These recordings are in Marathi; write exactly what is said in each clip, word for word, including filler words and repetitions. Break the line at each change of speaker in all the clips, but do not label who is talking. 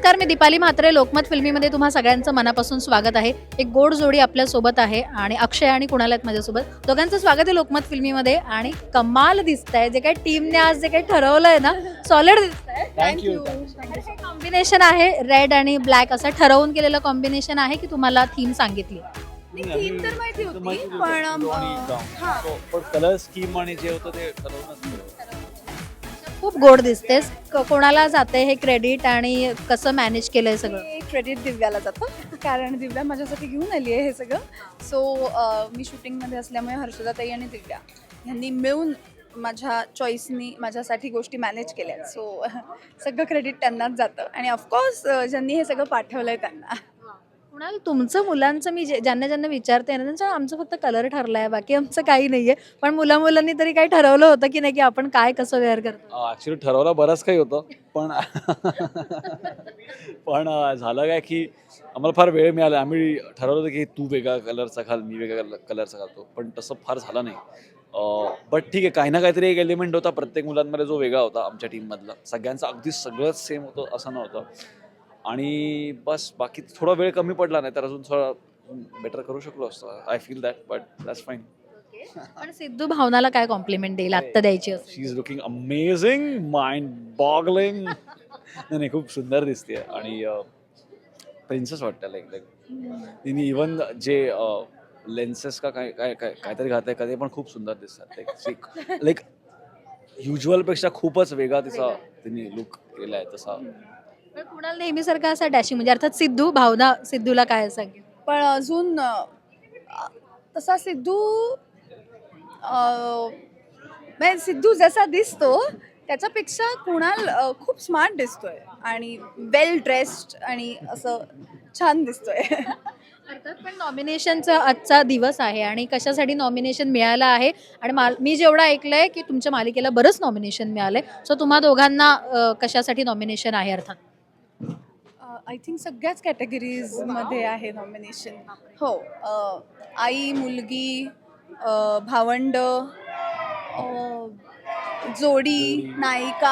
नमस्कार, मी दीपाली म्हात्रे. लोकमत फिल्मीमध्ये तुम्हा सगळ्यांचं मनापासून स्वागत आहे. एक गोड जोडी आपल्या सोबत आहे आणि अक्षय आणि कुणाल आहेत माझ्यासोबत. दोघांचं स्वागत आहे लोकमत फिल्मीमध्ये. आणि कमाल दिसतंय, जे काही टीमने आज जे काही ठरवलंय ना, सॉलिड दिसतंय.
थँक्यू.
कॉम्बिनेशन आहे रेड आणि ब्लॅक, असं ठरवून केलेलं कॉम्बिनेशन आहे की तुम्हाला थीम सांगितली?
थीम तर माहिती होती पण हा
पण कलर स्कीम आणि जे होतं ते ठरवूनच
खूप गोड दिसतेस. क- कोणाला जाते हे क्रेडिट आणि कसं मॅनेज केलंय सगळं?
हे क्रेडिट दिव्याला जातं कारण दिव्या माझ्यासाठी घेऊन आली आहे हे सगळं. सो मी शूटिंगमध्ये असल्यामुळे हर्षदाताई आणि दिव्या यांनी मिळून माझ्या चॉईसनी माझ्यासाठी गोष्टी मॅनेज केल्या. सो सगळं क्रेडिट त्यांनाच जातं आणि ऑफकोर्स ज्यांनी हे सगळं पाठवलं आहे त्यांना.
कुणाल, तुमचं मुलांचं मी जे- ज्यांना ज्यांना विचारते ना, त्यांचं आमचं फक्त कलर ठरलाय, बाकी आमचं काही नाहीये. पण मुला मुलांनी तरी काही ठरवलं होतं की नाही की आपण काय कसं वेअर करतो?
ऍक्च्युली ठरवलं बरंच काही होतं पण पण अं, झालं काय की आम्हाला फार वेळ मिळाला. आम्ही ठरवलं होतं की तू वेगळा कलरचा घाल, मी वेगळा कलरचा घालतो, पण तसं फार झालं नाही. बट ठीक आहे, काही ना काहीतरी एक एलिमेंट होता प्रत्येक मुलांमध्ये जो वेगळा होता. आमच्या टीममधला सगळ्यांचं अगदी सगळंच सेम होतं असं नव्हतं. आणि बस बाकी थोडा वेळ कमी पडला, नाही तर अजून थोडा बेटर करू शकलो असतो. I feel that, but that's fine.
पण सिद्धू भावनाला काय कॉम्प्लिमेंट देईल आत्ता द्यायची असेल?
She is looking amazing, mind boggling. नाही नाही, खूप सुंदर दिसते आणि प्रिन्सेस वाटतं. लाईक लाईक तिने इवन जे लेन्सेस का काय काय काय काहीतरी घातलंय का ते पण खूप सुंदर दिसतात. लाईक लाईक युज्युअलपेक्षा खूपच वेगळा तिचा तिने लुक केला आहे तसा.
पण कुणाल नेहमीसारखा असा डॅशिंग, म्हणजे अर्थात सिद्धू भावना सिद्धूला काय सांगेल?
पण अजून अ, तसा सिद्धू अ, म्हणजे सिद्धू जसा दिसतो त्याच्यापेक्षा कुणाल अ, खूप स्मार्ट दिसतोय आणि वेल ड्रेस्ड आणि असं छान दिसतोय.
अर्थात, पण नॉमिनेशनचा आजचा दिवस आहे आणि कशासाठी नॉमिनेशन मिळालं आहे? आणि माल मी जेवढं ऐकलंय की तुमच्या मालिकेला बरंच नॉमिनेशन मिळालंय. सो तुम्हा दोघांना अ, कशासाठी नॉमिनेशन आहे अर्थात?
आय थिंक सगळ्याच कॅटेगरीजमध्ये आहे नॉमिनेशन. हो, अ, आई, मुलगी, अ, भावंड, अ, जोडी, नायिका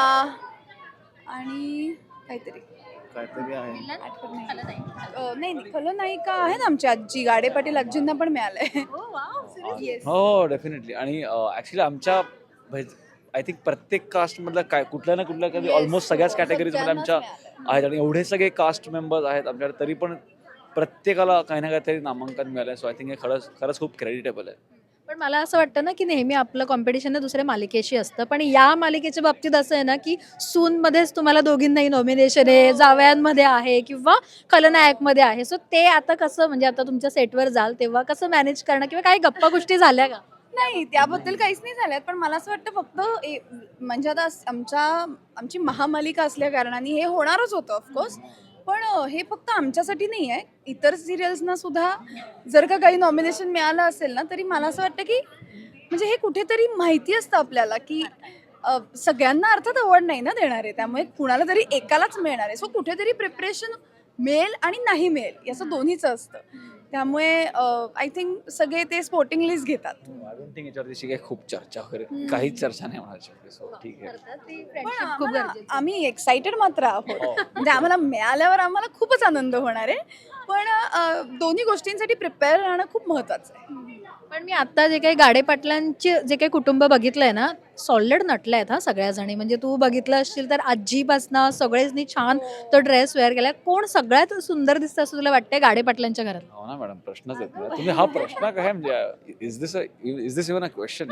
आणि काहीतरी
काहीतरी आहे.
आठवत नाही. अ, नाही नाही खलनायिका आहे ना आमची आजी, गाडे पाटील आजींना पण मिळालंय. Yes.
हो डेफिनेटली. आणि ऍक्च्युली आमच्या आय थिंक प्रत्येक कास्ट मधल्या काय कुठल्या ना कुठल्या कधी
Yes.
ऑलमोस्ट सगळ्याच कॅटेगरीज मध्ये आमच्या
सगळ्यांनाच
आहेत आणि एवढे सगळे कास्ट मेंबर्स आहेत आमच्याकडे, तरी पण प्रत्येकाला काही ना काहीतरी नामांकन मिळालंय. सो आय थिंक हे खरंच खरंच खूप क्रेडिटेबल आहे.
पण मला असं वाटतं ना की नेहमी आपलं कॉम्पिटिशन दुसऱ्या मालिकेशी असतं, पण या मालिकेच्या बाबतीत असं आहे ना की सूनमध्येच तुम्हाला दोघींनाही नॉमिनेशन आहे, जावयांमध्ये आहे किंवा खलनायकमध्ये आहे. सो ते आता कसं, म्हणजे आता तुमच्या सेटवर जाल तेव्हा कसं मॅनेज करणं, किंवा काही गप्पा गोष्टी झाल्या का?
नाही त्याबद्दल काहीच नाही झाल्यात, पण मला असं वाटतं फक्त ए- म्हणजे आता आमच्या आमची महामालिका असल्या कारणाने हे होणारच होतं ऑफकोर्स. पण अ, हे फक्त आमच्यासाठी नाही आहे, इतर सिरियल्सना सुद्धा जर का काही नॉमिनेशन मिळालं असेल ना, तरी मला असं वाटतं की म्हणजे हे कुठेतरी माहिती असतं आपल्याला की अ, सगळ्यांना अर्थात अवॉर्ड नाही ना देणार आहे, त्यामुळे कुणाला तरी एकालाच मिळणार आहे. सो कुठेतरी प्रिपरेशन मिळेल आणि नाही मिळेल याचं दोन्हीचं असतं. त्यामुळे आय थिंक सगळे ते स्पोर्टिंगलीच घेतात.
आय डोंट थिंक याच्यावरती काही खूप चर्चा वगैरे काहीच चर्चा नाही होणार याच्यावरती. सो ठीक आहे.
पण
खूप
आम्हाला-
गरजेचं.
आम्ही एक्साइटेड मात्र आहोत. म्हणजे आम्हाला मिळाल्यावर आम्हाला खूपच आनंद होणार आहे. पण अ, दोन्ही गोष्टींसाठी प्रिपेअर राहणं खूप महत्वाचं आहे.
पण मी आता जे काही गाडे पाटलांचे जे काही कुटुंब बघितलंय ना, सॉलिड नटले आहेत हा सगळ्या जणी. म्हणजे तू बघितलं असशील तर आजीपासनं सगळेच छान तो ड्रेस वेअर केलाय. कोण सगळ्यात सुंदर दिसतं असं तुला वाटतंय गाडे पाटलांच्या घरात?
हो ना मॅडम, प्रश्नच येत नाही. तुम्ही हा प्रश्न काय म्हणजे is this is this even a question?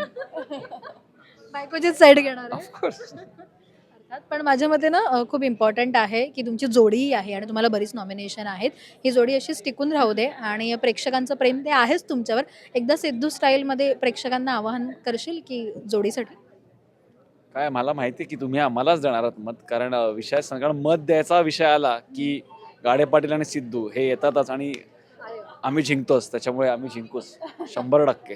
बायकोचीच साईड घेणार आहे.
ऑफकोर्स.
अर्थात, पण माझ्या मते ना अ, खूप इम्पॉर्टंट आहे की तुमची जोडीही आहे आणि तुम्हाला बरीच नॉमिनेशन आहेत. ही जोडी अशीच टिकून राहू दे आणि प्रेक्षकांचं प्रेम ते आहेच तुमच्यावर. एकदा सिद्धू स्टाईलमध्ये प्रेक्षकांना आवाहन करशील की जोडीसाठी?
काय मला माहिती आहे की तुम्ही आम्हालाच देणार आहात मत, कारण अ, विषय सांग- कारण मत द्यायचा विषय आला की गाडे पाटील आणि सिद्धू हे येतातच आणि आम्ही जिंकतोच, त्याच्यामुळे आम्ही जिंकूच शंभर टक्के.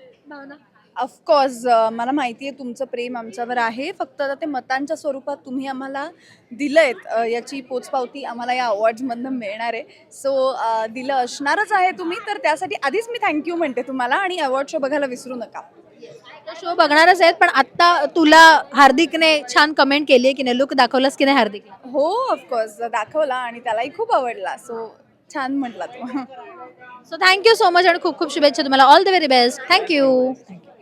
ऑफकोर्स मला माहिती आहे तुमचं प्रेम आमच्यावर आहे. फक्त आता ते मतांच्या स्वरूपात तुम्ही आम्हाला दिलंयत, अ, याची पोचपावती आम्हाला या अवॉर्ड्समधनं मिळणार आहे. सो दिलं असणारच आहे तुम्ही, तर त्यासाठी आधीच मी थँक्यू म्हणते तुम्हाला आणि अवॉर्ड शो बघायला विसरू नका.
शो बघणारच आहेत, पण आता तुला हार्दिकने छान कमेंट केली आहे की नाही, लुक दाखवलास की नाही हार्दिकला?
हो ऑफकोर्स दाखवला आणि त्यालाही खूप आवडला. सो छान म्हटला तो.
सो थँक्यू सो मच आणि खूप खूप शुभेच्छा तुम्हाला. All the very best. Thank you.